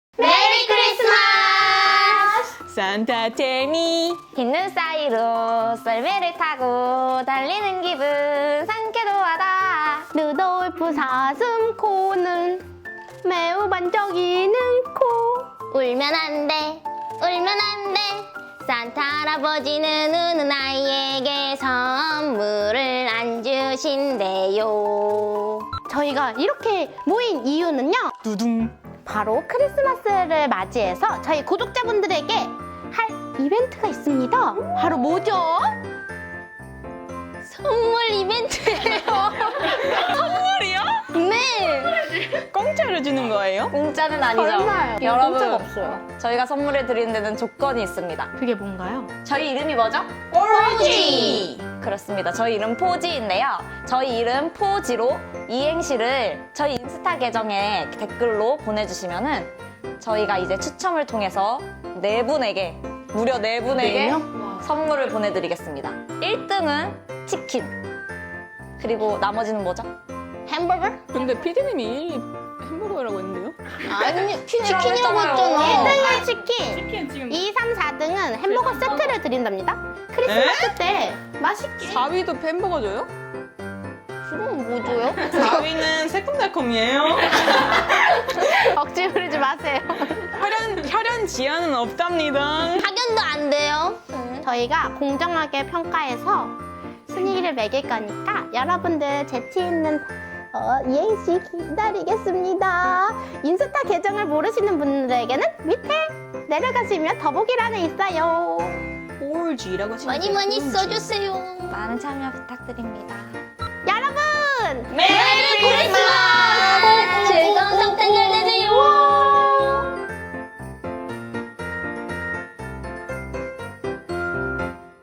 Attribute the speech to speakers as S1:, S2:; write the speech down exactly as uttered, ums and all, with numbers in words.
S1: 메리 크리스마스!
S2: 산타 재미
S1: 빗는 사이로 썰매를 타고 달리는 기분 상쾌도 하다.
S3: 루돌프 사슴코는 매우 반짝이는 코.
S1: 울면 안 돼, 울면 안 돼. 산타 할아버지는 우는 아이에게 선물을 안 주신대요.
S3: 저희가 이렇게 모인 이유는요,
S2: 두둥.
S3: 바로 크리스마스를 맞이해서 저희 구독자분들에게 할 이벤트가 있습니다. 바로 뭐죠?
S1: 선물 이벤트예요.
S2: 선물이요?
S1: 네.
S2: 공짜로 주는 거예요?
S1: 공짜는 아니죠.
S3: 설마요.
S1: 여러분,
S3: 공짜가 없어요.
S1: 저희가 선물을 드리는 데는 조건이 있습니다.
S3: 그게 뭔가요?
S1: 저희 이름이 뭐죠? 포지! 그렇습니다. 저희 이름 포지인데요. 저희 이름 포지로 이행시를 저희 인스타 계정에 댓글로 보내주시면은 저희가 이제 추첨을 통해서 네 분에게, 무려 네 분에게
S3: 네
S1: 선물을 보내드리겠습니다. 일 등은 치킨. 그리고 나머지는 뭐죠? 햄버거?
S2: 근데 피디님이 햄버거라고 했는데요?
S1: 아니,
S3: 치킨이라고 했잖아. 일 등은 치킨,
S2: 치킨 지금
S3: 이, 삼, 사 등은 햄버거 세트를 드린답니다. 크리스마스 때 맛있게.
S2: 사 위도 햄버거 줘요?
S3: 그럼 뭐 줘요?
S2: 사 위는 새콤달콤이에요.
S3: 억지 부리지 마세요.
S2: 혈연, 혈연 지연은 없답니다.
S1: 학연도 안 돼요.
S3: 저희가 공정하게 평가해서 순위를 매길 거니까 여러분들 재치 있는 어, 이행시 기다리겠습니다. 인스타 계정을 모르시는 분들에게는 밑에 내려가시면 더보기란에 있어요.
S2: 폴지라고 치면
S1: 많이 많이 써주세요. 많은 참여 부탁드립니다.
S3: 여러분!
S1: 메리 크리스마스!